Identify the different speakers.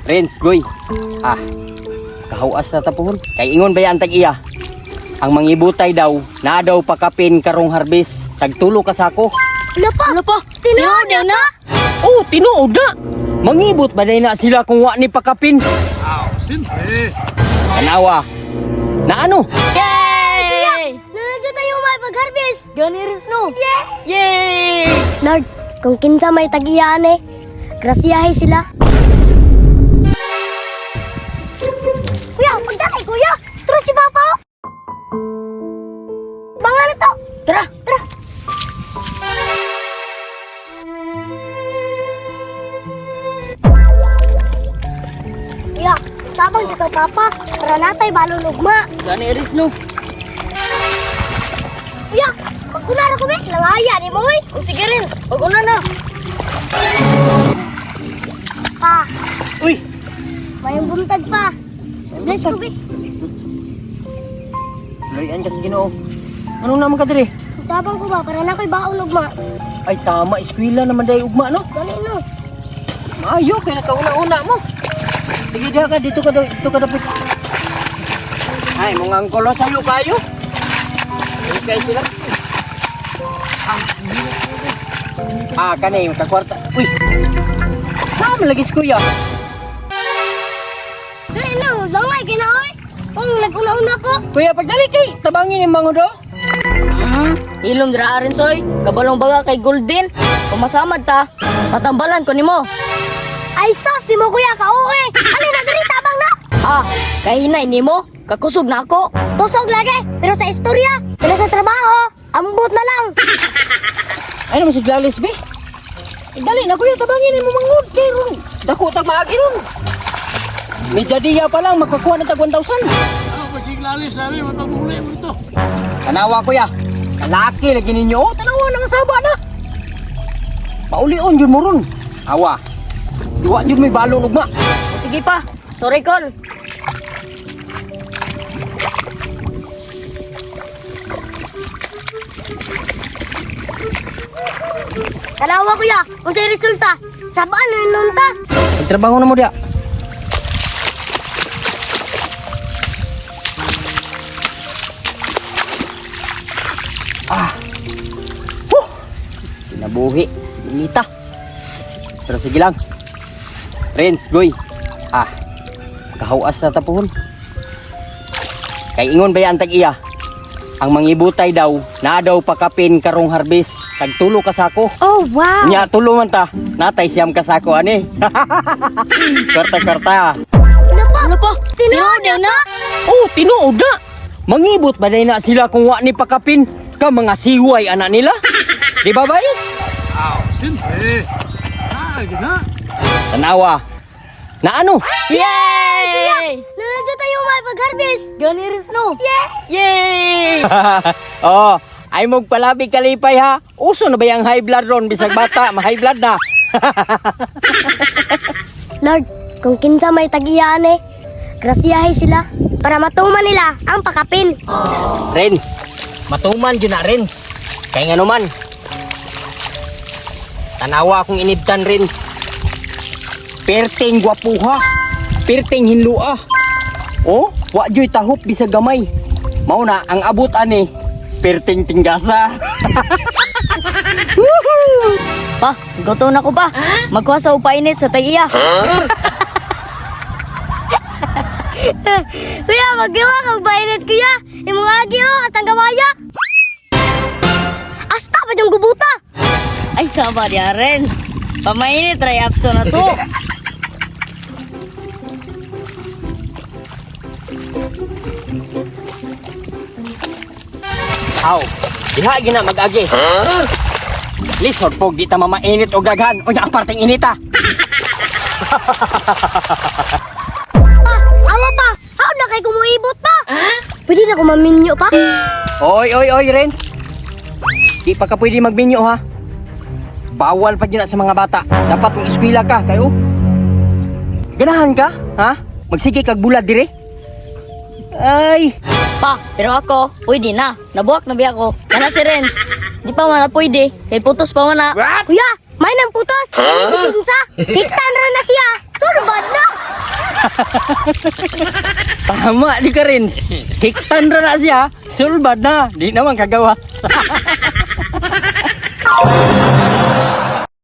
Speaker 1: Renz, goy. Kahuas na tapuhon. Kay ingon ba yan tag-iya? Ang mangibutay daw, na daw pakapin karong harvest. Tagtulo ka sako.
Speaker 2: Ano pa? Tinuod na?
Speaker 1: Oh, tinuod na. Mangibot ba na sila kung wa ni pakapin?
Speaker 3: Siyempre.
Speaker 1: Kanawa. Na ano?
Speaker 2: Yay! Nanadyo tayo may pag-harvest.
Speaker 4: Ganiris no.
Speaker 2: Yay! Lord, kung kinsa may tag-iyaan grasyahe sila. Kuya, pagdakay kuya! Tara si Papa! Bangal na to!
Speaker 4: Tara.
Speaker 2: Kuya, sabang sa kay Papa, para natay balon ugma.
Speaker 4: Ganiris no.
Speaker 2: Kuya, magkunara ko be, langaya ni mo eh.
Speaker 4: O sige Renz, pag-una na.
Speaker 2: Pa,
Speaker 1: Uy,
Speaker 2: may buntag pa. Bless ko be.
Speaker 1: larian ka sa Ginoo. Ano naman ka dire?
Speaker 2: Sabang ko ba, para na ko'y baon ugma.
Speaker 1: Ay tama, eskwela naman day ugma no.
Speaker 2: Dali no.
Speaker 1: Maayo kay nakauna-una mo. Sige diha ka dito ka dapat. Ay, mga angkolo sayo kayo. Okay sila. Kanay yung kakwarta. Uy. Saan malagis kuya?
Speaker 2: Dali no, langay kinaoy. Kung nag-una-una ko.
Speaker 1: Kuya, pagdali kay tabangin yung mga do.
Speaker 4: Ilong dira Renz oy. Kabalong baga kay Golden. Pumasamad ta. Patambalan ko nimo.
Speaker 2: Ay sos, di mo kuya ka-uwi. Alin na dali, tabang na.
Speaker 4: Kay hinay nimo. Kakusog na ako.
Speaker 2: Tusog lagi, pero sa istorya, pero sa trabaho, ambot na lang.
Speaker 1: Ay naman si Glalis, be. Dali na kuya, tabangin mo mga kay dako tag maagi ron. Medya diya pa lang, magkakuha na tag 1,000.
Speaker 3: Pag siglalis sabi, magpagmuli mo ito.
Speaker 1: Tanawa kuya, kalaki lagi ninyo. Oh, tanawa nang saba na. Paulion yun mo ron. Awa, duwa yun may balong ugma.
Speaker 4: O sige pa. Sorry call.
Speaker 2: Kalawa kuya, kung sa'yo resulta, sabaan na yun nunta.
Speaker 1: Magtrabaho na mo diya. Nabuhi, inita. Pero sige lang. Renz, goy. Kahuas na tapuhon. Kay ingon ba yan tag-iya? Ang mangibutay daw, na daw pakapin karong harvest. Tagtulo ka sako.
Speaker 4: Oh wow.
Speaker 1: Nya tulo man ta. Natay siyam ka sako ani. Karta.
Speaker 2: Ano pa? Tinuod na?
Speaker 1: Oh, tinuod na. Mangibot ba na sila kung wa ni pakapin? Ka mga siway anak nila. Di ba bay?
Speaker 3: Siyempre. Gina.
Speaker 1: Tanawa. Na ano?
Speaker 4: Yay!
Speaker 2: Nanadyo tayo may pag-harvest.
Speaker 4: Ganiris no.
Speaker 1: Yay! Oh, ay magpalabi kalipay ha. Uso na ba yung high blood ron? Bisag bata, ma-high blood na.
Speaker 2: Lord, kung kinsa may tag-iyaan grasyahe sila para matuman nila ang pakapin.
Speaker 1: Renz, matuman yun na Renz. Kaya nga naman. Tanawa akong inibtan Renz. Perteng gwapuha. Perteng hinlua. Oh, wa joy tahop bisag gamay. Mao na ang abot ani. Perteng tinggasa.
Speaker 4: Pa, goto na ko ba? Magkuha sa upainit sa tagiya.
Speaker 2: Kuya, magdiwa kang bainit kuya. Imong agi at ang gamaya. Asta pa yung gubuta.
Speaker 4: Ay, sama dia Renz. Pamainit, try apso na to.
Speaker 1: Aw, diha gina mag-agi. Lisod po, di ta mamainit o gaghan. O ang parteng inita.
Speaker 2: Awa pa, how na kay kumuibot pa? Pwede na kumaminyo pa?
Speaker 1: Oy, Renz. Di pa ka pwede magminyo ha. Bawal pa yun sa mga bata. Dapat mong eskwela ka, kayo. Ganahan ka, ha? Magsige kag bulad dire. Ay,
Speaker 4: Pa, pero ako, pwede na. Nabuak na biya ko. Kana si Renz. Di pa man na pwede. Kay putos pa man na.
Speaker 2: Kuya, may nang putos. Huh? Pinsa. Hiktan na siya. Surbad na.
Speaker 1: Tama di ka rin. Hiktan ra na siya. Sulbad na. Di naman kagawas.